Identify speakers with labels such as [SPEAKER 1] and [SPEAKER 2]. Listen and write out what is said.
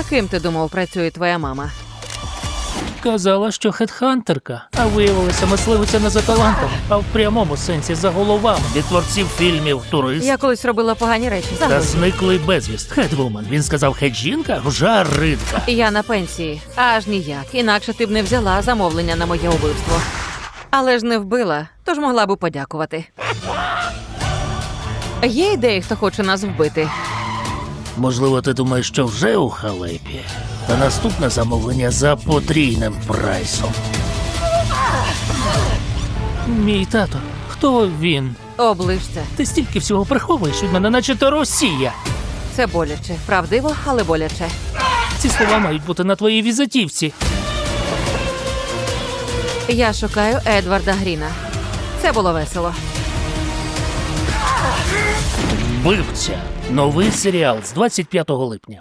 [SPEAKER 1] Ким ти думав, працює твоя мама?
[SPEAKER 2] Казала, що хедхантерка, а виявилася мисливиця не за талантом, а в прямому сенсі за головами. Від творців фільмів «Турист»
[SPEAKER 1] Я колись робила погані речі.
[SPEAKER 2] та
[SPEAKER 1] Загодь.
[SPEAKER 2] «Зниклий безвіст». Хедвумен. Він сказав хед-жінка? Жаритка.
[SPEAKER 1] Я на пенсії. Аж ніяк. Інакше ти б не взяла замовлення на моє убивство. Але ж не вбила, тож могла б подякувати. Є ідеї, хто хоче нас вбити?
[SPEAKER 2] Можливо, ти думаєш, що вже у халепі. Та наступне замовлення за потрійним прайсом. Мій тато. Хто він?
[SPEAKER 1] Оближ це.
[SPEAKER 2] Ти стільки всього приховуєш від мене, наче то Росія.
[SPEAKER 1] Це боляче. Правдиво, але боляче.
[SPEAKER 2] Ці слова мають бути на твоїй візитівці.
[SPEAKER 1] Я шукаю Едварда Гріна. Це було весело.
[SPEAKER 2] Вбивця. Новий серіал з 25 липня.